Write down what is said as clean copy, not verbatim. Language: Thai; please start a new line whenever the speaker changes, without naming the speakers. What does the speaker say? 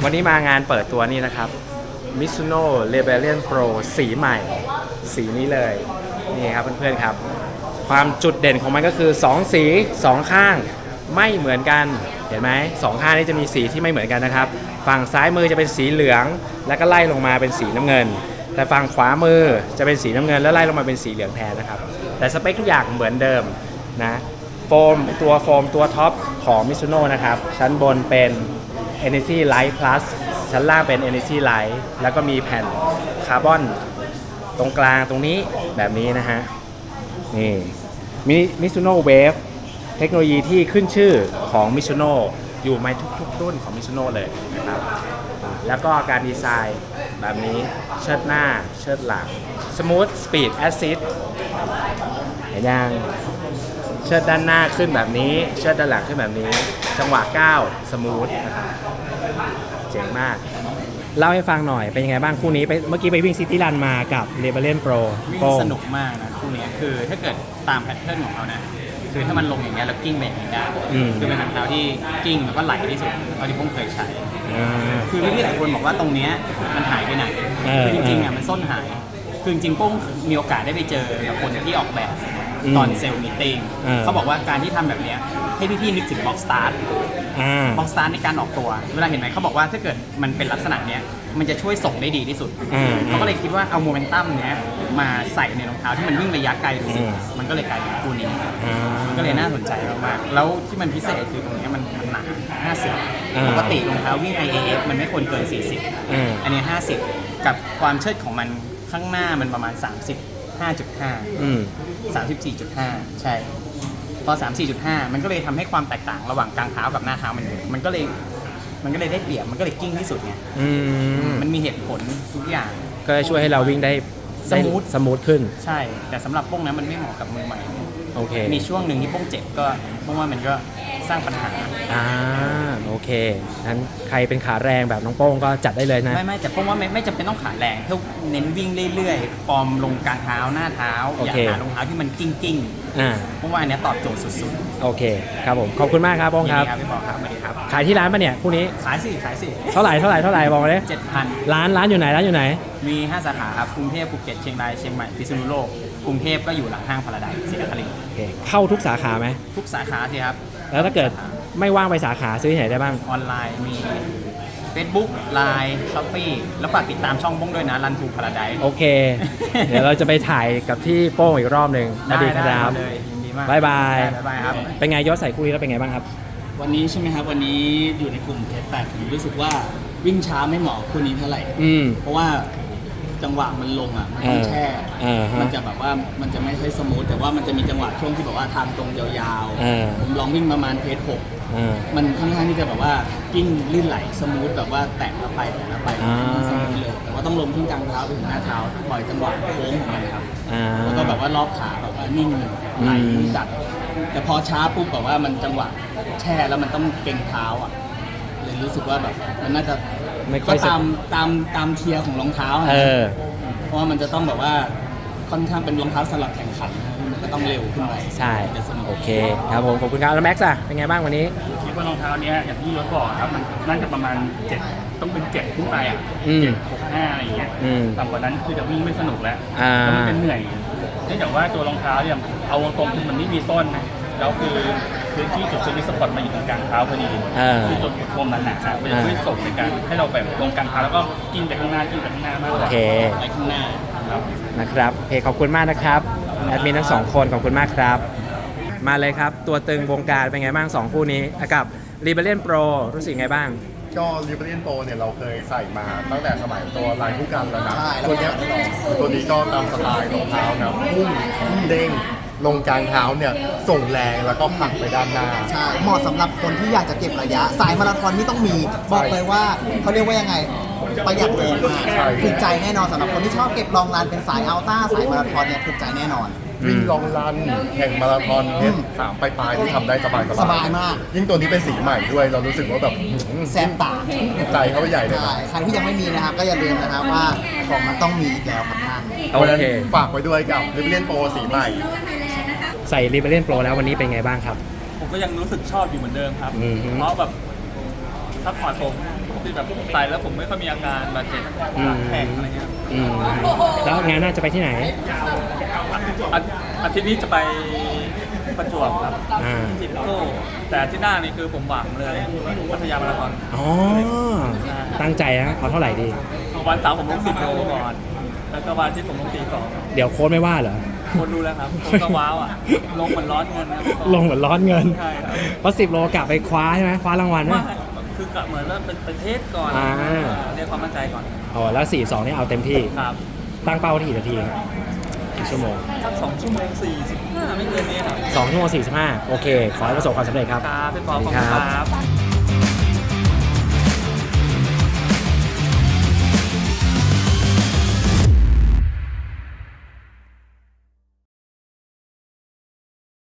วันนี้มางานเปิดตัวนี้นะครับ Mizuno Rebellion Pro สีใหม่ สีนี้เลยนี่ครับเพื่อนๆครับความจุดเด่นของมันก็คือ2สี2ข้างไม่เหมือนกันเห็นไหม2ข้างนี้จะมีสีที่ไม่เหมือนกันนะครับฝั่งซ้ายมือจะเป็นสีเหลืองแล้วก็ไล่ลงมาเป็นสีน้ำเงินแต่ฝั่งขวามือจะเป็นสีน้ำเงินแล้วไล่ลงมาเป็นสีเหลืองแทนนะครับแต่สเปคทุกอย่างเหมือนเดิมนะโฟมตัวท็อปของ Mizuno นะครับชั้นบนเป็น Energy Light Plus ชั้นล่างเป็น Energy Light แล้วก็มีแผ่นคาร์บอนตรงกลางตรงนี้แบบนี้นะฮะนี่Mizuno Wave เทคโนโลยีที่ขึ้นชื่อของ Mizuno อยู่ในทุกๆรุ่นของ Mizuno เลยนะครับแล้วก็การดีไซน์แบบนี้เชิดหน้าเชิดหลัง Smooth Speed Assist เห็นยังเชิดด้านหน้าขึ้นแบบนี้เชิดด้านหลังขึ้นแบบนี้จังหวะก้าวสมูทนะครับเจ๋งมากเล่าให้ฟังหน่อยเป็นยังไงบ้างคู่นี้ไปเมื่อกี้ไปวิ่งซิตี้รันมากับ Rebellion Pro
วิ่งสนุกมากนะคู่นี้คือถ้าเกิดตามแพทเทิร์นของเขานะคือถ้ามันลงอย่างเงี้ยแล้วกิ้งไปอย่างนี้ได้คือเป็นรองเท้าที่กิ้งแล้วก็ไหลที่สุดเท่าที่ผมเคยใช้คือพี่ๆหลายคนบอกว่าตรงเนี้ยมันหายไปไหนคือจริงๆอ่ะมันส้นหายคือจริงๆป้งมีโอกาสได้ไปเจอกับคนที่ออกแบบตอนเซลล์มีตติ้งเขาบอกว่าการที่ทำแบบเนี้ยให้พี่ๆนึกถึงบ็อกสตาร์ทบ็อกสตาร์ทในการออกตัวเวลาเห็นไหมเขาบอกว่าถ้าเกิดมันเป็นลักษณะเนี้ยมันจะช่วยส่งได้ดีที่สุดเขาก็เลยคิดว่าเอาโมเมนตัมเนี้ยมาใส่ในรองเท้าที่มันวิ่งระยะไกลดูสิมันก็เลยกลายเป็นคู่นี้มันก็เลยน่าสนใจมากๆแล้วที่มันพิเศษคือตรงนี้มันหนา50ปกติรองเท้าวิ่ง IAF มันไม่ควรเกิน40อันนี้50กับความเชิดของมันข้างหน้ามันประมาณ34.5 ใช่พอ 34.5 มันก็เลยทำให้ความแตกต่างระหว่างกลางเท้ากับหน้าเท้ามันก็เลยได้เปรียบมันก็เลยกิ้งที่สุดไงมันมีเหตุผลทุกอย่าง
ก็ช่วยให้เราวิ่งได้สมูทขึ้น
ใช่แต่สำหรับป้งนั้นมันไม่เหมาะกับมือใหม่
โอเค
มีช่วงหนึ่งที่ป้งเจ็บก็ป้งว่ามันก็สร้างปัญหา
โอเคงั้นใครเป็นขาแรงแบบน้องโป้งก็จัดได้เลยนะ
ไม่แต่ป้งว่าไม่จำเป็นต้องขาแรงแค่เน้นวิ่งเรื่อยๆฟอร์มลงกลางเท้าหน้าเท้าอย่าหารองเท้าที่มันกิ้งป้งว่าอันนี้ตอบโจทย์สุด
ๆโอเคครับผมขอบคุณมากครับโป้งครับ
พี่บอกครับสวัสดีครับ
ขายที่ร้านปะเนี่ยคู่นี้
ขายสิ
เท่าไหร่บอกมาเลย
7,000
ร้านอยู่ไหน
มี5สาขาครับกรุงเทพภูเก็ตเชียงรายเชียงใหม่พิษณุโลกกรุงเทพก็อยู่หลังห้างพาราไดซ์ศรีนครินทร์
เข้าทุกสาขาไหม
ทุกสาขาสิครับ
แล้วถ้าเกิดไม่ว่างไปสาขาซื้อที่ไหนได้บ้าง
ออนไลน์มี Facebook Line Shopee แล้วฝากติดตามช่องป้งด้วยนะ Run to Paradise
โอเค เดี๋ยวเราจะไปถ่ายกับที่โป้งอีกรอบหนึ่งสวัสดีครับ
เลยยินดีมาก
บ๊ายบาย
ครับ
เป็นไงยศใส่คู่นี้แล้วเป็นไงบ้างครับ
วันนี้ใช่ไหมครับวันนี้อยู่ในกลุ่มเพชรแปดผมรู้สึกว่าวิ่งช้าไม่เหมาะคู่นี้เท่าไหร่เพราะว่าจังหวะมันลงอ่ะมันต้องแช่มันจะแบบว่ามันจะไม่ค่อยสมูทแต่ว่ามันจะมีจังหวะช่วงที่แบบว่าทางตรงยาวๆผมลองวิ่งประมาณเพจ6มันค่อนข้างที่จะแบบว่ากิ้งลื่นไหลสมูทแบบว่าแตะแล้วไปสมูทเลยแต่ว่าต้องลงที่กลางเท้าไปถึงหน้าเท้าปล่อยจังหวะโค้งของมันครับแล้วก็แบบว่ารอบขาแบบว่านิ่งไหลจัดแต่พอช้าปุ๊บแบบว่ามันจังหวะแช่แล้วมันต้องเก่งเท้าอ่ะเลยรู้สึกว่าแบบมันน่าจะก็ตามเทียร์ของรองเท้าเพราะว่ามันจะต้องแบบว่าค่อนข้างเป็นรองเท้าสำหรับแข่งขันมันก็ต้องเร็วขึ้นไป
ใช่โอเคครับผมขอบคุณครับแล้วแม็กซ์อะเป็นไงบ้างวันนี้
คิดว่ารองเท้าเนี้ยอย่างที่ยศบอกครับมันน่าจะประมาณ7ต้องเป็น7ขึ้นไปอ่ะ7-6-5อะไรอย่างเงี้ยต่ำกว่านั้นคือจะวิ่งไม่สนุกแล้วแล้วมันเป็นเหนื่อยเนื่องจากว่าตัวรองเท้าเนี่ยเอาตรงคือมันไม่มีต้นนะแล้วคือพื้นที่จุดสวิตช์สปอตมาอยู่ตรงกลางเท้าพอดีคือจุดโคมนั้นนะครับมันจะช่วยส่งในการให้เราแบบลงกลางเท้าแล้วก็กินไปข้างหน้ามากกว่า
ไปข้างหน้า
นะครับโอเคขอบคุณมากนะครับแอดมินทั้ง2คนขอบคุณมากครับมาเลยครับตัวตึงวงการเป็นไงบ้าง2คู่นี้กับ Rebellion Pro รู้สึกไงบ้าง
ก็ Rebellion Pro เนี่ยเราเคยใส่มาตั้งแต่สมัยตัวลายคู่กันแล้วนะตัวนี้ก็ตามสไตล์รองเท้านะพุ่งเด้งลงกลางเท้าเนี่ยส่งแรงแล้วก็ผลักไปด้านหน้า
ใช่เหมาะสำหรับคนที่อยากจะเก็บระยะสายมาราธอนนี่ต้องมีบอกเลยว่าเขาเรียกว่ายังไงประหยัดแรงมากถูกใจแน่นอนสำหรับคนที่ชอบเก็บลองรันเป็นสายอัลต้าสายมาราธอนเนี่ยถูกใจแน่นอน
วิ่งลองรันแข่งมาราธอนเพชร3ปลายที่ทำได้สบาย
มาก
ยิ่งตัวนี้เป็นสีใหม่ด้วยเรารู้สึกว่าแบบ
แซมตา
ใจเขาไปใหญ่เลยนะ
ใครที่ยังไม่มีนะครับก็อย่าลืมนะครับว่าของมันต้องมีอีกแล้วครับท่าน
โอเคฝากไว้ด้วยกับ Rebellion Pro สีใหม่
ใส่ Rebellion Pro แล้ววันนี้เป็นไงบ้างครับ
ผมก็ยังรู้สึกชอบอยู่เหมือนเดิมครับเพราะแบบซัพพอร์ตผมที่แบบใส่แล้วผมไม่ค่อยมีอาการบาดเจ็บแข็งอะไรเงี้ย
แล้วงานหน่าจะไปที่ไหน
อาทิตย์นี้จะไปประจวบครับ
อ่า
ทิปโก้แต่อาที่หน้านี่คือผมหวังเลยพัทยามาราธอน
อ๋อ ตั้งใจนะเอาเท่าไหร่ดี
วันเสาร์ผมลง10 โลก่อน แล้วก็วันอาที่ผมลง42
เดี๋ยวโค้ดไม่ว่าเหรอ
คนดูแล้วครับผมก็ว้าวอ่ะ ลงเหมือนร้อนเงินครับ
ลงเหมือนร้อนเงิน
ใช่ครับ
เพราะ10 โลกลับไปคว้าใช่ไหมคว้ารางวัลไหม
ไม่คือกะเหมือนว่าเป็นประเทศก่อน
อ่า
เรียกความมั่นใจก่อน
อ๋อแล้ว 42 นี่เอาเต็มที่
ครับ
ตั้งเป้าที่กี่นาทีครับกี่ชั่วโมง
สัก2 ชั่วโมง 45 ไม่เกินนี้ครับ
2 ชั่วโมง 45 โอเค ขอให้ประสบความสำเร็จครับ
ครับพี่ปอขอบ
สวัสดี
คุณ
ครับ
ครับ